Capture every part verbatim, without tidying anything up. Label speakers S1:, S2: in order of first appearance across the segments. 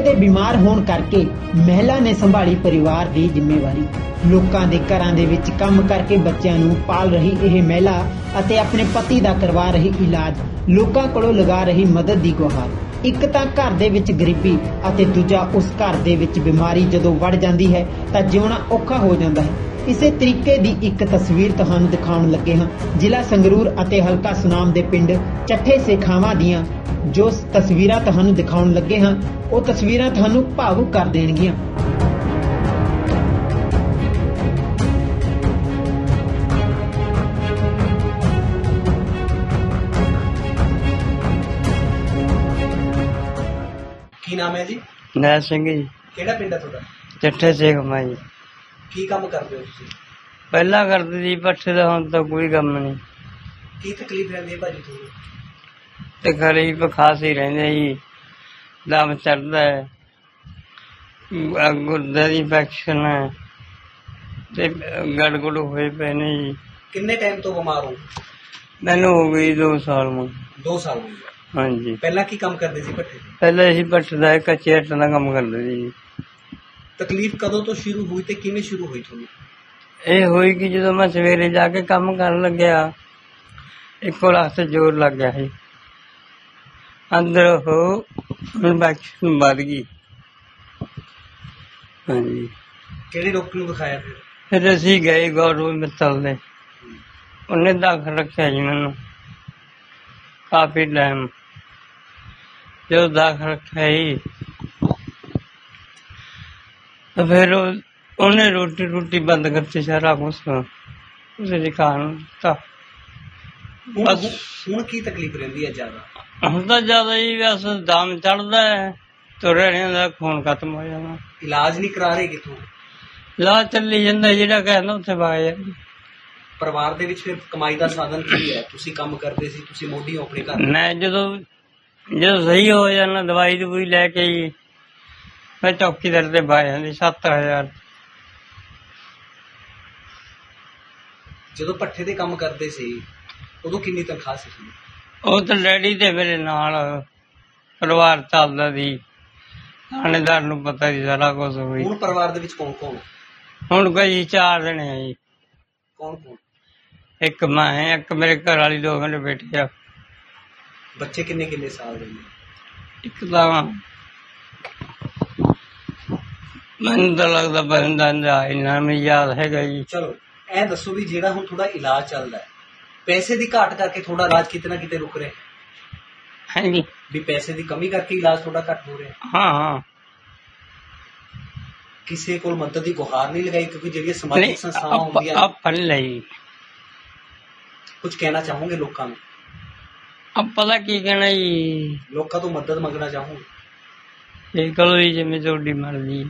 S1: ਦੇ ਬਿਮਾਰ ਹੋਣ ਕਰਕੇ ਮਹਿਲਾ ਨੇ ਸੰਭਾਲੀ ਪਰਿਵਾਰ ਦੀ ਜ਼ਿੰਮੇਵਾਰੀ। ਲੋਕਾਂ ਦੇ ਘਰਾਂ ਦੇ ਵਿੱਚ ਕੰਮ ਕਰਕੇ ਬੱਚਿਆਂ ਨੂੰ ਪਾਲ ਰਹੀ ਇਹ ਮਹਿਲਾ ਅਤੇ ਆਪਣੇ ਪਤੀ ਦਾ ਕਰਵਾ ਰਹੀ ਇਲਾਜ, ਲੋਕਾਂ ਕੋਲੋਂ ਲਗਾ ਰਹੀ ਮਦਦ ਦੀ ਗੁਹਾਰ। ਇੱਕ ਤਾਂ ਘਰ ਦੇ ਵਿੱਚ ਗਰੀਬੀ ਅਤੇ ਦੂਜਾ ਉਸ ਘਰ ਦੇ ਵਿੱਚ ਬਿਮਾਰੀ ਜਦੋਂ ਵੜ ਜਾਂਦੀ ਹੈ ਤਾਂ ਜਿਉਣਾ ਔਖਾ ਹੋ ਜਾਂਦਾ ਹੈ। ਇਸੇ ਤਰੀਕੇ ਦੀ ਇੱਕ ਤਸਵੀਰ ਤੁਹਾਨੂੰ ਦਿਖਾਉਣ ਲੱਗੇ ਹਾਂ ਜ਼ਿਲ੍ਹਾ ਸੰਗਰੂਰ ਅਤੇ ਹਲਕਾ ਸੁਨਾਮ ਦੇ ਪਿੰਡ ਚੱਠੇ ਸੇਖਾਵਾਂ ਦੀਆਂ। ਜੋ ਤਸਵੀਰਾਂ ਤੁਹਾਨੂੰ ਦਿਖਾਉਣ ਲੱਗੇ ਹਾਂ ਉਹ ਤਸਵੀਰਾਂ ਤੁਹਾਨੂੰ ਭਾਵੁਕ ਕਰ ਦੇਣਗੀਆਂ।
S2: ਕੀ ਨਾਮ ਹੈ ਜੀ?
S3: ਨੈ ਸਿੰਘ ਜੀ।
S2: ਕਿਹੜਾ ਪਿੰਡ ਹੈ ਤੁਹਾਡਾ?
S3: ਚੱਠੇ ਸੇਖਾਵਾਂ ਜੀ।
S2: ਕੀ ਕੰਮ ਕਰਦੇ ਹੋ ਤੁਸੀਂ?
S3: ਪਹਿਲਾਂ ਕਰਦੇ ਸੀ ਪੱਠੇ ਦਾ, ਹੁਣ ਤਾਂ ਕੋਈ ਕੰਮ ਨਹੀਂ।
S2: ਕੀ ਤਕਲੀਫ ਰਹਿੰਦੀ ਹੈ ਭਾਜੀ ਤੁਹਾਨੂੰ?
S3: ਤਕਲੀਫ ਖਾਸ ਹੀ ਰਹਿੰਦੇ ਜੀ, ਦਮ ਚੜਦਾ ਹੈ, ਗੁਰਦੇ ਦੀ ਇਨਫੈਕਸ਼ਨ ਹੈ ਤੇ ਗੜਗੜ ਹੋਏ ਪਏ ਨੇ ਜੀ।
S2: ਕਿੰਨੇ ਟਾਈਮ ਤੋਂ ਬਿਮਾਰ ਹੋ?
S3: ਮੈਨੂੰ ਹੋ ਗਈ ਦੋ ਸਾਲ ਨੂੰ।
S2: ਦੋ ਸਾਲ ਹੋ ਗਏ।
S3: ਹਾਂਜੀ।
S2: ਪਹਿਲਾਂ ਕੀ ਕੰਮ ਕਰਦੇ ਸੀ ਭੱਠੇ?
S3: ਪਹਿਲਾਂ ਅਸੀਂ ਪੱਠੇ ਦਾ ਕੱਚੇ ਆਟੇ ਦਾ ਕੰਮ ਕਰਦੇ ਸੀ ਜੀ।
S2: ਤਕਲੀਫ ਕਦੋਂ ਤੋਂ ਸ਼ੁਰੂ ਹੋਈ ਤੇ ਕਿਵੇਂ ਸ਼ੁਰੂ ਹੋਈ ਤੁਹਾਨੂੰ?
S3: ਇਹ ਹੋਈ ਕਿ ਜਦੋਂ ਮੈਂ ਸਵੇਰੇ ਜਾ ਕੇ ਕੰਮ ਕਰਨ ਲੱਗਿਆ, ਇੱਕੋ ਲੱਖ ਤੇ ਜ਼ੋਰ ਲੱਗ ਗਿਆ ਸੀ, ਅੰਦਰ ਉਹ ਇਨਫੈਕਸ਼ਨ ਵੱਧ ਗਈ। ਹਾਂਜੀ।
S2: ਕਿਹੜੇ ਡਾਕਟਰ ਨੂੰ ਦਿਖਾਇਆ ਫਿਰ?
S3: ਫਿਰ ਅਸੀਂ ਗਏ ਗੌਰਵ ਮਿੱਤਲ ਦੇ, ਉਹਨੇ ਦਾਖਲ ਰੱਖਿਆ ਜੀ ਮੈਨੂੰ ਕਾਫੀ ਟਾਈਮ। ਜਦੋਂ ਦਾਖਲ ਰੱਖਿਆ ਜੀ ਤਾਂ ਫਿਰ ਉਹਨੇ ਰੋਟੀ ਰੋਟੀ ਬੰਦ ਕਰਤੀ, ਸਾਰਾ ਕੁਛ ਉਸੇ ਖਾਣ ਤਾਂ ਬਸ।
S2: ਹੁਣ ਕੀ ਤਕਲੀਫ ਰਹਿੰਦੀ ਹੈ ਜ਼ਿਆਦਾ?
S3: ਹੁਣ ਤਾਂ ਜ਼ਿਆਦਾ ਹੀ ਬਸ ਦਮ ਚੜਦਾ ਹੈ, ਤੁਰਨੇ ਦਾ ਖੂਨ ਖਤਮ ਹੋ ਜਾਣਾ।
S2: ਇਲਾਜ ਨਹੀਂ ਕਰਾ ਰਹੇ ਕਿੱਥੋਂ?
S3: ਇਲਾਜ ਚੱਲੀ ਜਾਂਦਾ, ਜਿਹੜਾ ਕਹਿੰਦਾ ਉੱਥੇ ਵਗ ਜਾਂਦਾ।
S2: ਪਰਿਵਾਰ ਦੇ ਵਿੱਚ ਫਿਰ ਕਮਾਈ ਦਾ ਸਾਧਨ ਕੀ ਹੈ? ਤੁਸੀਂ ਕੰਮ ਕਰਦੇ ਸੀ, ਤੁਸੀਂ ਮੋਢੀ ਹੋ ਆਪਣੇ ਘਰ।
S3: ਮੈਂ ਜਦੋਂ ਜਦੋਂ ਸਹੀ ਹੋ ਜਾਣਾ ਦਵਾਈ ਦਵਾਈ ਲੈ ਕੇ ਹੀ ਮੈਂ ਚੌਕੀਦਾਰ ਤੇ ਪਾ ਜਾਂਦੀ ਸੱਤ ਹਜ਼ਾਰ।
S2: ਜਦੋਂ ਭੱਠੇ ਦੇ ਕੰਮ ਕਰਦੇ ਸੀ ਉਦੋਂ ਕਿੰਨੀ ਤਨਖਾਹ ਸੀ?
S3: ਉਹ ਤਾਂ ਡੈਡੀ ਤੇ ਮੇਰੇ ਨਾਲ ਪਰਿਵਾਰ ਚੱਲਦਾ ਸੀ, ਥਾਣੇਦਾਰ ਨੂੰ ਪਤਾ ਸੀ ਸਾਰਾ ਕੁਛ ਹੋਈ।
S2: ਹੁਣ ਪਰਿਵਾਰ ਦੇ ਵਿੱਚ ਕੌਣ ਕੌਣ?
S3: ਹੁਣ ਕੋਈ ਚਾਰ ਜਣੇ ਆ ਜੀ।
S2: ਕੌਣ ਕੌਣ? ਇੱਕ
S3: ਮੈਂ ਹੈ, ਇੱਕ ਮੇਰੇ ਘਰ ਵਾਲੀ, ਦੋ ਮੇਰੇ ਬੇਟੇ ਆ।
S2: ਬੱਚੇ ਕਿੰਨੇ ਕਿੰਨੇ ਸਾਲ ਦੇ ਨੇ?
S3: ਇੱਕ ਤਾਂ ਮੈਨੂੰ ਤਾਂ ਲੱਗਦਾ ਬੰਦਾ ਇੰਨਾ ਮੈਨੂੰ ਯਾਦ ਹੈਗਾ ਜੀ।
S2: ਚਲੋ ਇਹ ਦੱਸੋ ਵੀ ਜਿਹੜਾ ਹੁਣ ਥੋੜਾ ਇਲਾਜ ਚੱਲਦਾ ਹੈ, ਪੈਸੇ ਦੀ ਘਾਟ ਕਰਕੇ ਥੋੜਾ ਇਲਾਜ ਕਿਤੇ ਨਾ ਕਿਤੇ ਰੁਕ ਰਿਹਾ?
S3: ਹਾਂਜੀ।
S2: ਵੀ ਪੈਸੇ ਦੀ ਕਮੀ ਕਰਕੇ ਇਲਾਜ ਥੋੜਾ ਘੱਟ ਹੋ ਰਿਹਾ?
S3: ਹਾਂ ਹਾਂ।
S2: ਕਿਸੇ ਕੋਲ ਮਦਦ ਦੀ ਗੁਹਾਰ ਨਹੀਂ ਲਗਾਈ? ਕਿਉਂਕਿ ਜਿਹੜੀਆਂ ਸਮਾਜਿਕ ਸੰਸਥਾਵਾਂ ਹੁੰਦੀਆਂ
S3: ਆਪਾਂ ਲਈ
S2: ਕੁਝ ਕਹਿਣਾ ਚਾਹੋਗੇ ਲੋਕਾਂ ਨੂੰ?
S3: ਆਪਾਂ ਦਾ ਕੀ ਕਹਿਣਾ ਜੀ,
S2: ਲੋਕਾਂ ਤੋਂ ਮਦਦ ਮੰਗਣਾ ਚਾਹੋਗੇ?
S3: ਦੇਖ ਲਓ ਜੀ ਜਿਵੇਂ ਤੁਹਾਡੀ ਮਰਜ਼ੀ।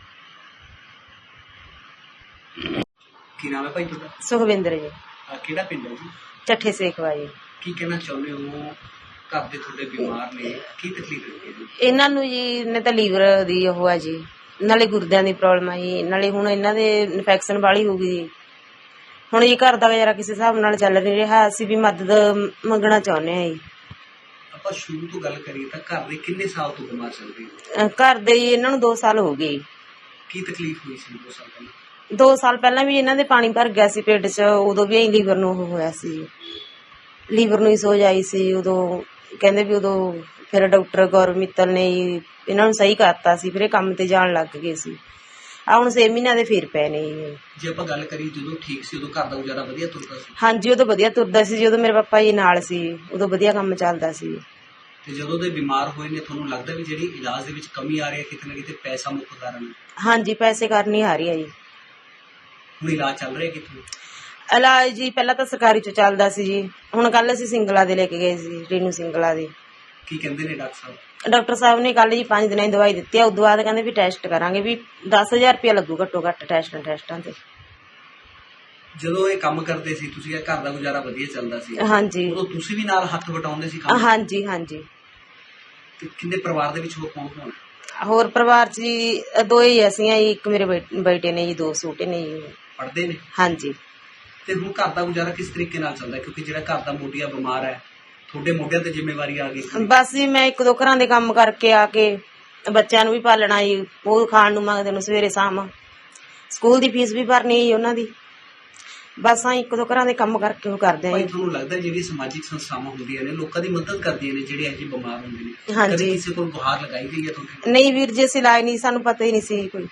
S2: ਕੀ ਨਾਮ ਹੈ ਭਾਈ ਤੁਹਾਡਾ?
S4: ਸੁਖਵਿੰਦਰ ਜੀ।
S2: ਆਹ ਕਿਹੜਾ ਪਿੰਡ ਹੈ ਜੀ?
S4: ਚੱਠੇ ਸੇਖਵਾ ਜੀ।
S2: ਕੀ ਕਹਿਣਾ ਚਾਹੁੰਦੇ ਹੋ? ਘਰ ਦੇ ਤੁਹਾਡੇ ਬਿਮਾਰ ਨੇ, ਕੀ ਤਕਲੀਫ ਹੈ ਜੀ?
S4: ਇਹਨਾਂ ਨੂੰ ਜੀ ਨੇ ਤਾਂ ਲੀਵਰ ਦੀ ਉਹ ਹੈ ਜੀ, ਨਾਲੇ ਗੁਰਦਿਆਂ ਦੀ ਪ੍ਰੋਬਲਮ ਹੈ ਜੀ, ਨਾਲੇ ਹੁਣ ਇਹਨਾਂ ਦੇ ਇਨਫੈਕਸ਼ਨ ਵਾਲੀ ਹੋ ਗਈ ਜੀ। ਹੁਣ ਜੀ ਘਰ ਦਾ ਗੁਜ਼ਾਰਾ ਕਿਸੇ ਹਿਸਾਬ ਨਾਲ ਚੱਲ ਨਹੀਂ ਰਿਹਾ, ਅਸੀਂ ਵੀ ਮਦਦ ਮੰਗਣਾ ਚਾਹੁੰਦੇ ਹਾਂ ਜੀ।
S2: ਆਪਾਂ ਸ਼ੁਰੂ ਤੋਂ ਗੱਲ ਕਰੀਏ ਤਾਂ ਘਰ ਦੇ ਕਿੰਨੇ ਸਾਲ ਤੋਂ ਬਿਮਾਰ ਚੱਲ ਰਹੇ ਹੋ?
S4: ਅਹ ਘਰ ਦੇ ਜੀ ਇਹਨਾਂ ਨੂੰ ਦੋ ਸਾਲ ਹੋ ਗਏ।
S2: ਕੀ ਤਕਲੀਫ ਹੋਈ ਸੀ ਦੋ ਸਾਲ ਪਹਿਲਾਂ?
S4: ਦੋ ਸਾਲ ਪਹਿਲਾਂ ਵੀ ਇਹਨਾਂ ਦੇ ਪਾਣੀ ਭਰ ਗਿਆ ਸੀ ਪੇਟ 'ਚ, ਉਦੋਂ ਵੀ ਲੀਵਰ ਨੂੰ ਉਹ ਹੋਇਆ ਸੀ, ਲੀਵਰ ਨੂੰ ਹੀ ਸੋਜ ਆਈ ਸੀ। ਉਦੋਂ ਕਹਿੰਦੇ ਵੀ ਉਦੋਂ ਫਿਰ ਡਾਕਟਰ ਗੌਰਵ ਮਿੱਤਲ ਨੇ ਇਹਨਾਂ ਨੂੰ ਸਹੀ ਕਰਤਾ ਸੀ, ਫਿਰ ਇਹ ਕੰਮ ਤੇ ਜਾਣ ਲੱਗ ਗਏ ਸੀ। ਆ ਹੁਣ ਛੇ ਮਹੀਨਿਆਂ ਦੇ ਫਿਰ ਪਏ ਨੇ ਜੀ।
S2: ਜੇ ਆਪਾਂ ਗੱਲ ਕਰੀਏ ਜਦੋਂ ਠੀਕ ਸੀ ਉਦੋਂ ਘਰ ਦਾ ਗੁਜ਼ਾਰਾ ਵਧੀਆ ਤੁਰਦਾ ਸੀ?
S4: ਹਾਂਜੀ, ਉਦੋਂ ਵਧੀਆ ਤੁਰਦਾ ਸੀ, ਜਦੋਂ ਮੇਰੇ ਪਾਪਾ ਜੀ ਨਾਲ ਸੀ ਉਦੋਂ ਵਧੀਆ ਕੰਮ ਚੱਲਦਾ ਸੀ।
S2: ਤੇ ਜਦੋਂ ਦੇ ਬਿਮਾਰ ਹੋਏ ਨੇ ਤੁਹਾਨੂੰ ਲੱਗਦਾ ਵੀ ਜਿਹੜੀ ਇਲਾਜ ਦੇ ਵਿੱਚ ਕਮੀ ਆ ਰਹੀ ਹੈ ਕਿਤੇ ਨਾ ਕਿਤੇ ਪੈਸਾ ਮੁੱਖ ਕਾਰਨ?
S4: ਹਾਂਜੀ, ਪੈਸੇ ਕਰਨੀ ਆ ਰਹੀ ਹੈ ਜੀ।
S2: ਹੁਣ ਇਲਾਜ ਚੱਲ ਰਿਹਾ ਕਿੱਥੋਂ?
S4: ਇਲਾਜ ਜੀ ਪਹਿਲਾਂ ਤਾਂ ਸਰਕਾਰੀ ਚ ਚੱਲਦਾ ਸੀ ਜੀ, ਹੁਣ ਕੱਲ ਅਸੀਂ ਸਿੰਗਲਾ ਦੇ ਲੈ ਕੇ ਗਏ ਸੀ, ਰੇਨੂ ਸਿੰਗਲਾ ਦੇ।
S2: ਕੀ ਕਹਿੰਦੇ ਨੇ ਡਾਕਟਰ ਸਾਹਿਬ?
S4: ਡਾਕਟਰ ਸਾਹਿਬ ਨੇ ਕੱਲ ਜੀ ਪੰਜ ਦਿਨਾਂ ਦੀ ਦਵਾਈ ਦਿੱਤੀ ਆ, ਉਦੋਂ ਬਾਅਦ ਕਹਿੰਦੇ ਵੀ ਟੈਸਟ ਕਰਾਂਗੇ, ਵੀ ਦਸ ਹਜ਼ਾਰ ਰੁਪਇਆ ਲੱਗੂ ਘੱਟੋ ਘੱਟ ਟੈਸਟਾਂ ਟੈਸਟਾਂ ਤੇ।
S2: ਜਦੋਂ ਇਹ ਕੰਮ ਕਰਦੇ ਸੀ ਤੁਸੀਂ, ਇਹ ਘਰ ਦਾ ਗੁਜ਼ਾਰਾ ਵਧੀਆ ਚੱਲਦਾ ਸੀ?
S4: ਹਾਂਜੀ।
S2: ਉਦੋਂ ਤੁਸੀਂ ਵੀ ਨਾਲ ਹੱਥ ਵਟਾਉਂਦੇ ਸੀ ਕੰਮ?
S4: ਹਾਂਜੀ ਹਾਂਜੀ।
S2: ਤੇ ਕਿੰਨੇ ਪਰਿਵਾਰ ਦੇ ਵਿੱਚ ਹੋਰ ਕੌਣ ਕੌਣ?
S4: ਹੋਰ ਪਰਿਵਾਰ ਚ ਜੀ ਦੋ ਹੀ ਅਸੀਂ ਆ ਜੀ, ਇੱਕ ਮੇਰੇ ਬੇਟੇ ਨੇ ਜੀ, ਦੋ ਛੋਟੇ ਨੇ ਜੀ।
S2: ਪੜ੍ਹਦੇ ਨੇ?
S4: ਹਾਂਜੀ।
S2: ਤੇ ਹੁਣ ਘਰ ਦਾ ਗੁਜ਼ਾਰਾ ਕਿਸ ਤਰੀਕੇ ਨਾਲ ਚੱਲਦਾ? ਕਿਉਂਕਿ ਜਿਹੜਾ ਘਰ ਦਾ ਮੋਢੀਆ ਬਿਮਾਰ ਹੈ, ਤੁਹਾਡੇ ਮੋਢਿਆਂ ਤੇ ਜ਼ਿੰਮੇਵਾਰੀ ਆ ਗਈ।
S4: ਬਸ ਜੀ ਮੈਂ ਇੱਕ ਦੋ ਘਰਾਂ ਦੇ ਕੰਮ ਕਰਕੇ ਆ ਕੇ ਬੱਚਿਆਂ ਨੂੰ ਵੀ ਪਾਲਣਾ ਜੀ, ਉਹ ਖਾਣ ਨੂੰ ਮੰਗਦੇ ਨੇ ਸਵੇਰੇ ਸ਼ਾਮ, ਸਕੂਲ ਦੀ ਫੀਸ ਵੀ ਭਰਨੀ ਜੀ ਉਹਨਾਂ ਦੀ। ਬਸ ਆ ਇੱਕ ਦੋ ਘਰਾਂ ਦੇ ਕੰਮ ਕਰਕੇ ਉਹ ਕਰਦੇ ਆ
S2: ਭਾਈ
S4: ਜੀ।
S2: ਤੁਹਾਨੂੰ ਲੱਗਦਾ ਜਿਹੜੀਆਂ ਸਮਾਜਿਕ ਸੰਸਥਾਵਾਂ ਹੁੰਦੀਆਂ ਨੇ ਲੋਕਾਂ ਦੀ ਮਦਦ ਕਰਦੀਆਂ ਨੇ ਜਿਹੜੇ ਇਹੋ ਜਿਹੇ ਬਿਮਾਰ ਹੁੰਦੇ ਨੇ,
S4: ਹਾਂਜੀ।
S2: ਕਦੇ ਕਿਸੇ ਕੋਲ ਗੁਹਾਰ ਲਗਾਈ ਗਈ ਹੈ ਤੁਹਾਡੇ?
S4: ਨਹੀਂ ਵੀਰ ਜੀ, ਅਸੀਂ ਲਾਏ ਨਹੀਂ, ਸਾਨੂੰ ਪਤਾ ਹੀ ਨਹੀਂ ਸੀ ਕੋਈ।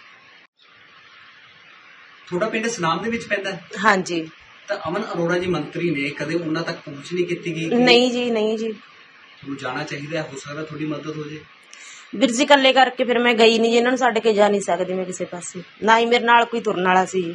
S2: ਤੁਹਾਡਾ ਪਿੰਡ ਸੁਨਾਮ ਦੇ ਵਿੱਚ ਪੈਂਦਾ ਹੈ
S4: ਹਾਂਜੀ।
S2: ਤਾਂ ਅਮਨ ਅਰੋੜਾ ਜੀ ਮੰਤਰੀ ਨੇ, ਕਦੇ ਉਹਨਾਂ ਤੱਕ ਪਹੁੰਚ ਨਹੀਂ ਕੀਤੀ ਗਈ?
S4: ਨਹੀਂ ਜੀ, ਨਹੀਂ ਜੀ।
S2: ਤੁਹਾਨੂੰ ਜਾਣਾ ਚਾਹੀਦਾ ਹੈ, ਹੋ ਸਕਦਾ ਤੁਹਾਡੀ ਮਦਦ ਹੋ ਜੇ।
S4: ਵੀਰ ਜੀ ਇਕੱਲੇ ਕਰਕੇ ਫਿਰ ਮੈਂ ਗਈ ਨਹੀਂ ਜੀ, ਇਹਨਾਂ ਨੂੰ ਛੱਡ ਕੇ ਜਾ ਨਹੀਂ ਸਕਦੀ ਮੈਂ ਕਿਸੇ ਪਾਸੇ, ਨਾ ਹੀ ਮੇਰੇ ਨਾਲ ਕੋਈ ਤੁਰਨ ਵਾਲਾ ਸੀ।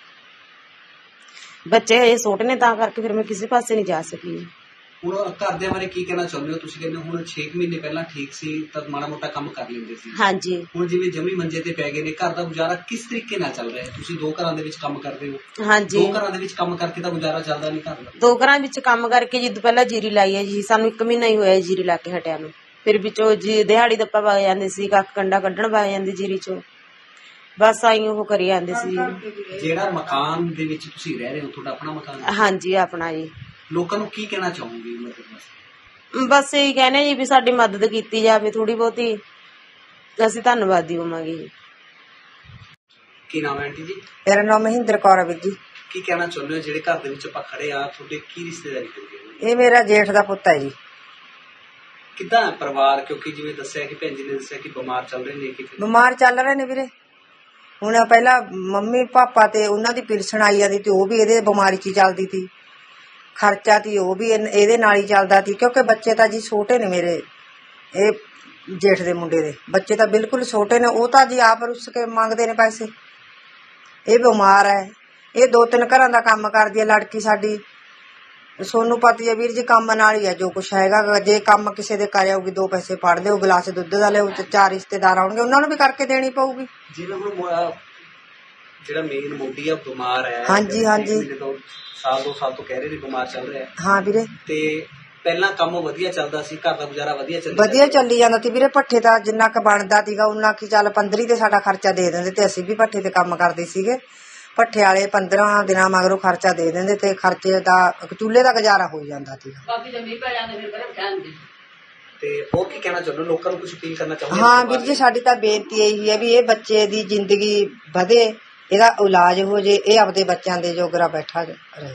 S4: ਬੱਚੇ ਹਜੇ ਛੋਟੇ ਨੇ ਤਾਂ ਕਰਕੇ ਫਿਰ ਮੈਂ ਕਿਸੇ ਪਾਸੇ ਨਹੀਂ ਜਾ ਸਕੀ।
S2: ਹੁਣ ਘਰਦਿਆਂ ਬਾਰੇ ਕੀ ਕਹਿਣਾ ਚਾਹੁੰਦੇ ਹੋ? ਤੁਸੀਂ ਕਹਿੰਦੇ ਹੁਣ ਛੇ ਮਹੀਨੇ ਪਹਿਲਾਂ ਠੀਕ ਸੀ ਤਾਂ ਮਾੜਾ ਮੋਟਾ ਕੰਮ ਕਰ ਲੈਂਦੇ ਸੀ।
S4: ਹਾਂਜੀ।
S2: ਹੁਣ ਜਿਵੇਂ ਜਮੀ ਮੰਜੇ ਤੇ ਪੈ ਗਏ ਨੇ, ਘਰ ਦਾ ਗੁਜ਼ਾਰਾ ਕਿਸ ਤਰੀਕੇ ਨਾਲ ਚੱਲ ਰਿਹਾ ਹੈ? ਤੁਸੀਂ ਦੋ ਘਰਾਂ ਦੇ ਵਿੱਚ ਕੰਮ ਕਰਦੇ ਹੋ।
S4: ਹਾਂਜੀ।
S2: ਦੋ ਘਰਾਂ ਦੇ ਵਿੱਚ ਕੰਮ ਕਰਕੇ ਤਾਂ ਗੁਜ਼ਾਰਾ ਚੱਲਦਾ ਨਹੀਂ ਘਰ ਦਾ।
S4: ਦੋ ਘਰਾਂ ਵਿੱਚ ਕੰਮ ਕਰਕੇ ਜਿੱਦ ਪਹਿਲਾਂ ਜੀਰੀ ਲਾਈ ਹੈ ਜੀ, ਸਾਨੂੰ ਇੱਕ ਮਹੀਨਾ ਹੀ ਹੋਇਆ ਜੀਰੀ ਲਾ ਕੇ ਹਟਿਆ ਨੂੰ। ਫਿਰ ਵਿੱਚੋਂ ਜੀ ਦਿਹਾੜੀ ਦੱਪਾ ਵਗ ਜਾਂਦੇ ਸੀ, ਕੱਖ ਕੰਡਾ ਕੱਢਣ ਵਗ ਜਾਂਦੇ ਜੀਰੀ ਚੋਂ, ਬਸ ਆਈ ਉਹ ਕਰੀ ਜਾਂਦੇ ਸੀ।
S2: ਜਿਹੜਾ ਮਕਾਨ ਦੇ ਵਿੱਚ ਤੁਸੀਂ ਰਹਿ ਰਹੇ ਹੋ, ਤੁਹਾਡਾ ਆਪਣਾ ਮਕਾਨ ਹੈ?
S4: ਹਾਂਜੀ, ਆਪਣਾ ਜੀ।
S2: ਲੋਕਾਂ ਨੂੰ ਕੀ ਕਹਿਣਾ ਚਾਹੋਗੇ ਮਦਦ ਵਾਸਤੇ?
S4: ਬਸ ਇਹੀ ਕਹਿੰਦੇ ਜੀ ਵੀ ਸਾਡੀ ਮਦਦ ਕੀਤੀ ਜਾਵੇ ਥੋੜੀ ਬਹੁਤੀ, ਅਸੀਂ ਧੰਨਵਾਦੀ ਹੋਵਾਂਗੇ ਜੀ।
S2: ਕੀ ਨਾਮ ਹੈ ਆਂਟੀ ਜੀ?
S5: ਮੇਰਾ ਨਾਮ ਮਹਿੰਦਰ ਕੌਰ ਹੈ ਵੀਰ ਜੀ।
S2: ਕੀ ਕਹਿਣਾ ਚਾਹੁੰਦੇ ਹੋ ਜਿਹੜੇ ਘਰ ਦੇ ਵਿੱਚ ਆਪਾਂ ਖੜੇ ਆ, ਤੁਹਾਡੇ ਕੀ ਰਿਸ਼ਤੇਦਾਰੀ ਕਰਦੇ?
S5: ਇਹ ਮੇਰਾ ਜੇਠ ਦਾ ਪੁੱਤ ਹੈ ਜੀ।
S2: ਕਿੱਦਾਂ ਹੈ ਪਰਿਵਾਰ? ਕਿਉਂਕਿ ਜਿਵੇਂ ਦੱਸਿਆ ਕਿ ਭੈਣ ਜੀ ਨੇ ਦੱਸਿਆ ਕਿ ਬਿਮਾਰ ਚੱਲ ਰਹੇ ਨੇ। ਕਿਤੇ
S5: ਬਿਮਾਰ ਚੱਲ ਰਹੇ ਨੇ ਵੀਰੇ। ਹੁਣ ਪਹਿਲਾਂ ਮੰਮੀ ਪਾਪਾ ਤੇ ਉਹਨਾਂ ਦੀ ਪਿਲਸਣ ਆਈ ਜਾਂਦੀ ਤੇ ਉਹ ਵੀ ਇਹਦੇ ਬਿਮਾਰੀ 'ਚ ਹੀ ਚੱਲਦੀ ਸੀ। ਖਰਚਾ ਤੀ ਉਹ ਵੀ ਇਹਨ- ਇਹਦੇ ਨਾਲ ਹੀ ਚੱਲਦਾ ਸੀ, ਕਿਉਂਕਿ ਬੱਚੇ ਤਾਂ ਜੀ ਛੋਟੇ ਨੇ ਮੇਰੇ, ਇਹ ਜੇਠ ਦੇ ਮੁੰਡੇ ਦੇ ਬੱਚੇ ਤਾਂ ਬਿਲਕੁਲ ਛੋਟੇ ਨੇ। ਉਹ ਤਾਂ ਜੀ ਆਪ ਰੁੱਸ ਕੇ ਮੰਗਦੇ ਨੇ ਪੈਸੇ। ਇਹ ਬਿਮਾਰ ਹੈ, ਇਹ ਦੋ ਤਿੰਨ ਘਰਾਂ ਦਾ ਕੰਮ ਕਰਦੀ ਹੈ ਲੜਕੀ ਸਾਡੀ। ਸੋਨੂੰ ਪਤਾ ਹੈ ਵੀਰ ਜੀ, ਕੰਮ ਨਾਲ ਹੀ ਹੈ ਜੋ ਕੁਛ ਹੈਗਾ। ਜੇ ਕੰਮ ਕਿਸੇ ਦੇ ਕਰ ਆਊਗੀ, ਦੋ ਪੈਸੇ ਫੜ ਲਿਓ, ਗਲਾਸ ਦੁੱਧ ਦਾ ਲਿਓ, ਤੇ ਚਾਰ ਰਿਸ਼ਤੇਦਾਰ ਆਉਣਗੇ ਉਹਨਾਂ ਨੂੰ ਵੀ ਕਰਕੇ ਦੇਣੀ ਪਊਗੀ।
S2: ਜਿਵੇਂ ਹੁਣ ਮੋ- ਜਿਹੜਾ ਮੇਨ ਮੋਢੀ ਆ ਬਿਮਾਰ ਹੈ।
S5: ਹਾਂਜੀ, ਹਾਂਜੀ।
S2: ਤੋਂ ਸਾਲ ਦੋ ਸਾਲ ਤੋਂ ਕਹਿ ਰਹੇ ਨੇ ਬਿਮਾਰ ਚੱਲ ਰਿਹਾ।
S5: ਹਾਂ ਵੀਰੇ।
S2: ਤੇ ਪਹਿਲਾਂ ਕੰਮ ਵਧੀਆ ਚੱਲਦਾ ਸੀ, ਘਰ ਦਾ ਗੁਜ਼ਾਰਾ ਵਧੀਆ ਚੱਲਦਾ
S5: ਵਧੀਆ ਚੱਲੀ ਜਾਂਦਾ ਸੀ ਵੀਰੇ। ਭੱਠੇ ਤਾਂ ਜਿੰਨਾ ਕੁ ਬਣਦਾ ਸੀਗਾ ਉਹਨਾਂ ਕੀ ਚੱਲ ਪੰਦਰੀ ਤੇ ਸਾਡਾ ਖਰਚਾ ਦੇ ਦਿੰਦੇ ਤੇ ਅਸੀਂ ਵੀ ਭੱਠੇ ਤੇ ਕੰਮ ਕਰਦੇ ਸੀਗੇ। ਭੱਠੇ ਵਾਲੇ ਪੰਦਰਾਂ ਦਿਨਾਂ ਮਗਰੋਂ ਖਰਚਾ ਦੇ ਦਿੰਦੇ ਤੇ ਖਰਚੇ ਦਾ ਚੁੱਲ੍ਹੇ ਦਾ ਗੁਜ਼ਾਰਾ ਹੋ ਜਾਂਦਾ ਸੀ।
S2: ਤੇ ਹੋਰ ਕੀ ਕਹਿਣਾ ਚਾਹੁੰਦੇ ਹੋ? ਲੋਕਾਂ ਨੂੰ ਕੁਝ ਅਪੀਲ ਕਰਨਾ ਚਾਹੁੰਦੇ?
S5: ਹਾਂ ਵੀਰ ਜੀ, ਸਾਡੀ ਤਾਂ ਬੇਨਤੀ ਇਹੀ ਹੈ ਵੀ ਇਹ ਬੱਚੇ ਦੀ ਜ਼ਿੰਦਗੀ ਵਧੇ, ਇਹਦਾ ਇਲਾਜ ਹੋ ਜੇ, ਇਹ ਆਪਦੇ ਬੱਚਿਆਂ ਦੇ ਜੋਗਰਾ ਬੈਠਾ ਰਹੇ।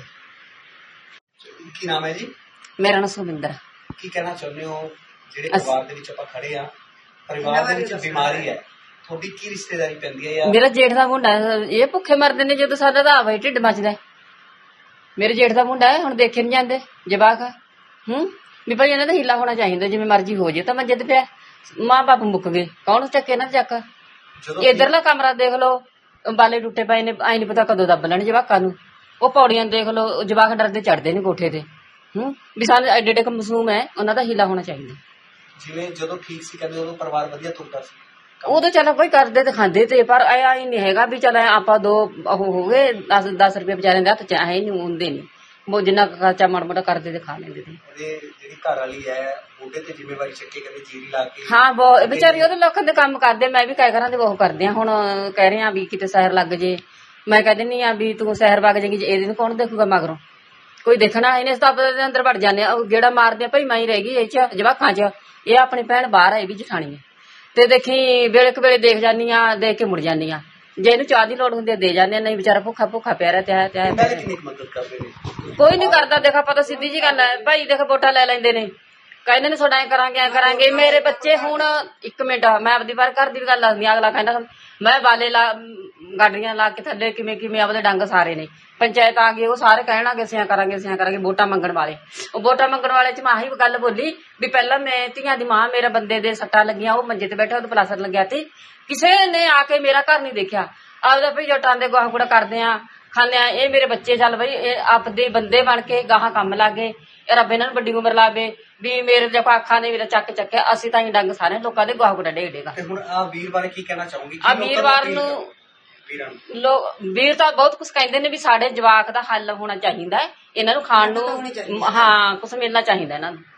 S2: ਕੀ ਨਾਮ ਹੈ ਜੀ?
S6: ਮੇਰਾ ਨਾਮ ਸੁਮਿੰਦਰ।
S2: ਕੀ ਕਹਿਣਾ ਚਾਹੁੰਦੇ ਹੋ ਜਿਹੜੇ ਪਰਿਵਾਰ ਦੇ ਵਿੱਚ ਆਪਾਂ ਖੜੇ ਆ, ਪਰਿਵਾਰ ਦੇ ਵਿੱਚ ਬਿਮਾਰੀ ਹੈ, ਤੁਹਾਡੀ ਕੀ ਰਿਸ਼ਤੇਦਾਰੀ ਪੈਂਦੀ ਹੈ? ਜਾਂ
S6: ਮੇਰਾ ਜੇਠ ਦਾ ਮੁੰਡਾ ਹੈ, ਇਹ ਭੁੱਖੇ ਮਰਦੇ ਨੇ ਜਦੋਂ ਸਾਡਾ ਤਾਂ ਆਵਾ ਹੀ ਢਿੱਡ ਮੱਚਦਾ। ਮੇਰੇ ਜੇਠ ਦਾ ਮੁੰਡਾ ਹੈ, ਹੁਣ ਦੇਖੇ ਨੀ ਜਾਂਦੇ ਜਵਾਕ। ਹੂੰ ਵੀ ਭਾਈ ਇਹਨਾਂ ਦਾ ਹੀਲਾ ਹੋਣਾ ਚਾਹੀਦਾ, ਜਿਵੇਂ ਮਰਜ਼ੀ ਹੋ ਜੇ। ਤਾਂ ਮੰਜੇ ਤੇ ਪਿਆ, ਮਾਂ ਬਾਪ ਮੁੱਕ ਗਏ, ਕੌਣ ਚੱਕੇ ਨਾ ਚੱਕ।
S2: ਜਦੋਂ
S6: ਇਧਰਲਾ ਕਮਰਾ ਦੇਖ ਲਓ, ਬਾਲੇ ਟੁੱਟੇ ਪਏ ਨੇ, ਆਈ ਨੀ ਪਤਾ ਕਦੋਂ ਦੱਬ ਲੈਣ ਜਵਾਕਾਂ ਨੂੰ। ਉਹ ਪੌੜੀਆਂ ਦੇਖ ਲਓ, ਜਵਾਕ ਡਰਦੇ ਚੜਦੇ ਨੇ ਕੋਠੇ ਤੇ। ਹੂੰ ਵੀ ਸਾਨੂੰ ਐਡੇ ਐਡੇ ਮਸੂਮ ਹੈ, ਉਹਨਾਂ ਦਾ ਹੀਲਾ ਹੋਣਾ ਚਾਹੀਦਾ।
S2: ਜਿਵੇਂ ਜਦੋਂ ਠੀਕ ਸੀ ਕਹਿੰਦੇ ਉਦੋਂ ਪਰਿਵਾਰ ਵਧੀਆ ਤੁਰਦਾ ਸੀ।
S6: ਉਦੋਂ ਚਲੋ ਕੋਈ ਕਰਦੇ ਤੇ ਖਾਂਦੇ ਤੇ, ਪਰ ਆਇਆ ਹੀ ਨਹੀਂ ਹੈਗਾ ਵੀ ਚੱਲ ਆਪਾਂ ਦੋ ਉਹ ਹੋ ਗਏ ਦਸ ਦਸ ਰੁਪਏ ਵਿਚਾਰਿਆਂ ਦੇ ਹੱਥ ਚ ਆਏ ਨਹੀਂ ਹੁੰਦੇ ਨਹੀਂ। ਉਹ ਜਿੰਨਾ ਖਰਚਾ ਮਾੜਾ ਮੋਟਾ ਕਰਦੇ ਤੇ ਖਾ ਲੈਂਦੇ ਤੇ।
S2: ਉਹਦੇ ਜਿਹੜੀ ਘਰ ਵਾਲੀ ਹੈ ਉਹਦੇ ਤੇ ਜ਼ਿੰਮੇਵਾਰੀ ਚੱਕੇ, ਕਹਿੰਦੇ ਜੀਰੀ ਲਾ ਕੇ।
S6: ਹਾਂ ਬਹੁਤ ਵਿਚਾਰੀ ਉਹਦੇ ਲੋਕਾਂ ਦੇ ਕੰਮ ਕਰਦੇ, ਮੈਂ ਵੀ ਕਈ ਘਰਾਂ ਦੇ ਉਹ ਕਰਦੇ ਆ। ਹੁਣ ਕਹਿ ਰਹੇ ਆ ਵੀ ਕਿਤੇ ਸਹਿਰ ਲੱਗ ਜੇ, ਮੈਂ ਕਹਿ ਦਿੰਦੀ ਆ ਵੀ ਤੂੰ ਸਹਿਰ ਵਗ ਜਾਏਗੀ, ਇਹਦੇ ਨੂੰ ਕੌਣ ਦੇਖੂਗਾ ਮਗਰੋਂ? ਕੋਈ ਦੇਖਣਾ ਇਹਨੇ ਸਤਾਪ ਦੇ ਅੰਦਰ ਵੜ ਜਾਂਦੇ ਆ, ਗੇੜਾ ਮਾਰਦੇ ਆ ਭਾਈ ਮੈਂ ਹੀ ਰਹਿ ਗਈ ਇਹ ਚ ਜਵਾਕਾਂ ਚ। ਇਹ ਆਪਣੀ ਭੈਣ ਬਾਹਰ ਆ, ਇਹ ਵੀ ਜਠਾਣੀ ਹੈ। ਤੇ ਦੇਖੀ ਵੇਲੇ ਕੁ ਵੇਲੇ ਦੇਖ ਜਾਂਦੀ ਆ, ਦੇਖ ਕੇ ਮੁੜ ਜਾਂਦੀ ਆ। ਜੇ ਇਹਨੂੰ ਚਾਹ ਦੀ ਲੋੜ ਹੁੰਦੀ ਆ ਦੇ ਜਾਂਦੇ ਆ, ਨਹੀਂ ਵਿਚਾਰਾ ਭੁੱਖਾ ਭੁੱਖਾ ਪਿਆ ਰਿਹਾ ਤੇ ਤੇ
S2: ਕਿੰਨੀ ਮਦਦ ਕਰਦੇ ਨੇ?
S6: ਕੋਈ ਨੀ ਕਰਦਾ। ਦੇਖਾ ਪਤਾ ਸਿੱਧੀ ਜੀ ਗੱਲ ਹੈ ਭਾਈ, ਦੇਖ ਵੋਟਾਂ ਲੈ ਲੈਂਦੇ ਨੇ, ਕਹਿੰਦੇ ਨੇ ਤੁਹਾਡਾ ਐ ਕਰਾਂਗੇ ਐ ਕਰਾਂਗੇ। ਮੇਰੇ ਬੱਚੇ ਹੁਣ ਇੱਕ ਮਿੰਟ, ਮੈਂ ਆਪਦੀ ਵਾਰ ਘਰ ਦੀ ਵੀ ਗੱਲ ਦੱਸਦੀ। ਅਗਲਾ ਕਹਿੰਦਾ ਮੈਂ ਬਾਲੇ ਲਾ ਗਾਡਰੀਆਂ ਲਾ ਕੇ ਥੱਲੇ ਕਿਵੇਂ ਕਿਵੇਂ ਆਪਦੇ ਡੰਗ ਸਾਰੇ ਨੇ। ਪੰਚਾਇਤ ਆ ਗਈ, ਉਹ ਸਾਰੇ ਕਹਿਣਾਗੇ ਸਿਆਂ ਕਰਾਂਗੇ ਸਿਆਂ ਕਰਾਂਗੇ, ਵੋਟਾਂ ਮੰਗਣ ਵਾਲੇ। ਉਹ ਵੋਟਾਂ ਮੰਗਣ ਵਾਲੇ ਚ ਮੈਂ ਆਹੀ ਗੱਲ ਬੋਲੀ ਵੀ ਪਹਿਲਾਂ ਮੈਂ ਧੀਆਂ ਦੀ ਮਾਂ, ਮੇਰੇ ਬੰਦੇ ਦੇ ਸੱਟਾਂ ਲੱਗੀਆਂ, ਉਹ ਮੰਜੇ ਤੇ ਬੈਠਾ, ਉਹਦੇ ਪਲਾਸਟਰ ਲੱਗਿਆ ਸੀ, ਕਿਸੇ ਨੇ ਆ ਕੇ ਮੇਰਾ ਘਰ ਨਹੀਂ ਦੇਖਿਆ। ਆਪਦਾ ਭਈ ਜੱਟਾਂ ਦੇ ਗਾਹ ਗੁੜਾ ਕਰਦੇ ਆ, ਖਾਂਦੇ ਆ। ਇਹ ਮੇਰੇ ਬੱਚੇ ਚੱਲ ਬਈ ਇਹ ਆਪਦੇ ਬੰਦੇ ਬਣ ਕੇ ਗਾਹਾਂ ਕੰਮ ਲੱਗੇ। ਰੱਬ ਇਹਨਾਂ ਨੂੰ ਵੱਡੀ ਉਮਰ ਲਾਵੇ ਵੀ ਮੇਰੇ ਜਪਾ ਅੱਖਾਂ ਨੇ ਮੇਰਾ ਚੱਕ ਚੱਕਿਆ। ਅਸੀਂ ਤਾਂ ਹੀ ਡੰਗ ਸਾਰੇ ਲੋਕਾਂ ਦੇ ਗਾਹ ਗੁੜਾ ਡੇਗ ਡੇਗਾ।
S2: ਤੇ ਹੁਣ ਆ ਵੀਰ ਬਾਰੇ ਕੀ ਕਹਿਣਾ ਚਾਹੋਗੇ?
S6: ਆ ਵੀਰਵਾਰ ਨੂੰ ਲੋ ਵੀਰ ਤਾਂ ਬਹੁਤ ਕੁਛ ਕਹਿੰਦੇ ਨੇ ਵੀ ਸਾਡੇ ਜਵਾਕ ਦਾ ਹੱਲ ਹੋਣਾ ਚਾਹੀਦਾ, ਇਹਨਾਂ ਨੂੰ ਖਾਣ ਨੂੰ ਹਾਂ ਕੁਛ ਮਿਲਣਾ ਚਾਹੀਦਾ ਇਹਨਾਂ ਨੂੰ।